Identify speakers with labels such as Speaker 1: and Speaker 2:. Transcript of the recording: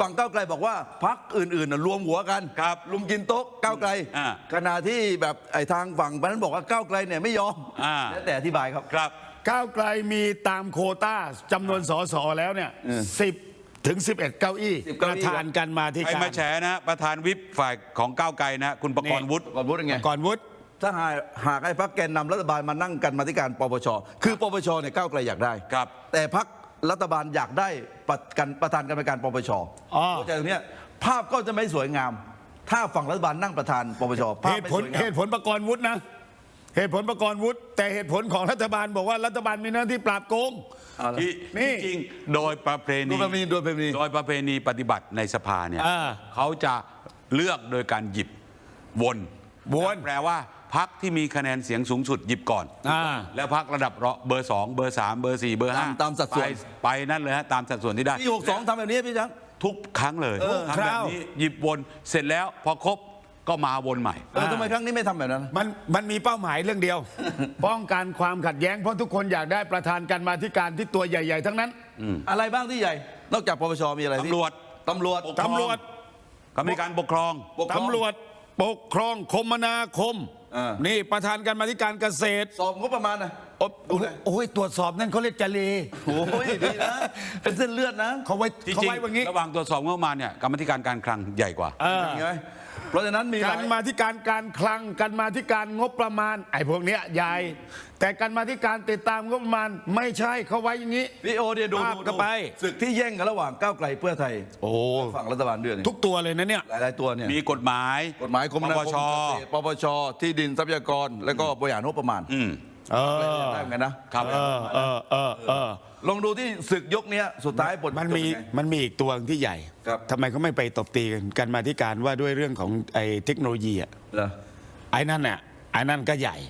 Speaker 1: ฝั่งก้าวไกลบอกว่าพรรคอื่นๆรวมหัวกัน
Speaker 2: ครับ
Speaker 1: ลุมกินโต๊ะก้าวไกล ขณะที่แบบไอ้ทางฝั่งนั้นบอกว่าก้าวไกลเนี่ยไม่ยอมแล้วแต่อธิบายครับ
Speaker 2: ครับ
Speaker 3: ก้าวไกลมีตามโควต้าจำนวนสสแล้วเนี่ย10 ถึง 11 เก้าอี้
Speaker 1: 10
Speaker 3: ป
Speaker 1: เก้า
Speaker 3: ระ
Speaker 1: อี้
Speaker 3: ธานกันมาที่
Speaker 2: ใคร
Speaker 3: การ
Speaker 2: มาแฉนะประธานวิปฝ่ายของก้าวไกลนะคุณประกรณ์วุฒิ
Speaker 1: ก่อนพูดยังไง
Speaker 3: ก่อนวุฒิ
Speaker 1: ถ้าหากไอ้พรรคแกนนำรัฐบาลมานั่งกันมาธิการปปชคือปปชเนี่ยก้าวไกลอยากได้
Speaker 2: ครับ
Speaker 1: แต่พรรครัฐบาลอยากได้ประธานกรรมการปปชเข้าใจตรงเนี้ยภาพก็จะไม่สวยงาม ถ้าฝั่งรัฐบาลนั่งประธานปปชภาพ
Speaker 3: เหตุ
Speaker 1: ไม่
Speaker 3: ผ
Speaker 1: ส
Speaker 3: ล
Speaker 1: วยงาม
Speaker 3: เหตุผลประกรณ์วุฒินะเหตุผลประกรณ์วุฒิแต่เหตุผลของรัฐบาลบอกว่ารัฐบาลมีหน้าที่ปราบโกง
Speaker 1: เอาละ
Speaker 2: ที่
Speaker 3: นี่
Speaker 2: จริงโดยประเพณี
Speaker 1: โดยประเพณี
Speaker 2: โดยประเพณีปฏิบัติในสภาเนี่ย เขาจะเลือกโดยการหยิบวนแปลว่าพรรคที่มีคะแนนเสียงสูงสุดหยิบก่อน แล้วพรรคระดับเบอร์ 2 เบอร์ 3 เบอร์ 4 เบอร์ 5
Speaker 1: ตามสัดส่วน
Speaker 2: ไปนั่นเลยฮะตามสัดส่วนที่ได้
Speaker 1: ปี62ทำแบบนี้พี่ช้าง
Speaker 2: ทุกครั้งเลยทำแบบนี้หยิบวนเสร็จแล้วพอครบก็มาวนใหม่
Speaker 1: ทำไมครั้งนี้ไม่ทำแบบนั้น
Speaker 3: มันมีเป้าหมายเรื่องเดียว ป้องกันความขัดแย้งเพราะทุกคนอยากได้ประธานกันมาธิการที่ตัวใหญ่ ๆ ทั้งนั้น
Speaker 1: อะไรบ้างที่ใหญ่ นอกจากปปชมีอะไรที่
Speaker 2: ตำรวจ
Speaker 1: ตำรวจ
Speaker 3: ตำรวจ
Speaker 2: กรรมการปกครอง
Speaker 1: ปกครอง
Speaker 3: ตำรวจปกครองคมนาคม นี่ประธานกันมาธิการเกษตร
Speaker 1: สอบงบประมาณนะ
Speaker 3: โอ้ยตรวจสอบนั่นเขาเรียกจเล
Speaker 1: โอ้ยดีนะ เป็นเส้นเลือดนะ
Speaker 3: เขาไว้
Speaker 2: ที่
Speaker 3: เขา
Speaker 2: จริง
Speaker 3: ไว้แบบนี้
Speaker 2: ระหว่างตรวจสอบงบประมาณเนี่ยกรรมธิการการคลังใหญ่กว่า
Speaker 1: เห็นไหมเพราะฉะนั้นมีห
Speaker 3: กา
Speaker 1: ลาร ย
Speaker 3: มาธิการการคลังการมาธิการงบประมาณไอ้พวกเนี้ยใหญ่แต่การมาธิการติดตามงบประมาณไม่ใช่เขาไว้อย่างนี้
Speaker 1: พี่โอเดียดู
Speaker 3: ภาพก็ไป
Speaker 1: ศึกที่แย่งกันระหว่างก้าวไกลเพื่อไทย
Speaker 3: โอ้
Speaker 1: ฝั่งรัฐบาลด้วยเนี่ย
Speaker 3: ทุกตัวเลยนะเนี่ย
Speaker 1: หลายๆตัวเนี่ย
Speaker 2: มีกฎหมาย
Speaker 1: กฎหมายคมนาคม
Speaker 2: ปปช
Speaker 1: เกษตรปปชที่ดินทรัพยากร แล้วก็บริหารงบประมาณ
Speaker 3: เออ
Speaker 1: ได้เหมือนกันนะครับ ลองดูที่ศึกยกเนี้ยสุดท้ายบท
Speaker 3: มันมี
Speaker 1: จบยังไง
Speaker 3: มันมีอีกตัวที่ใหญ่
Speaker 1: ครับ
Speaker 3: ทำไมเขาไม่ไปตบตีกันมาธิการว่าด้วยเรื่องของไอ้เทคโนโลยีอ่ะ
Speaker 1: เหรอ
Speaker 3: ไอ้นั่นน่ะไอ้นั่นก็ใหญ่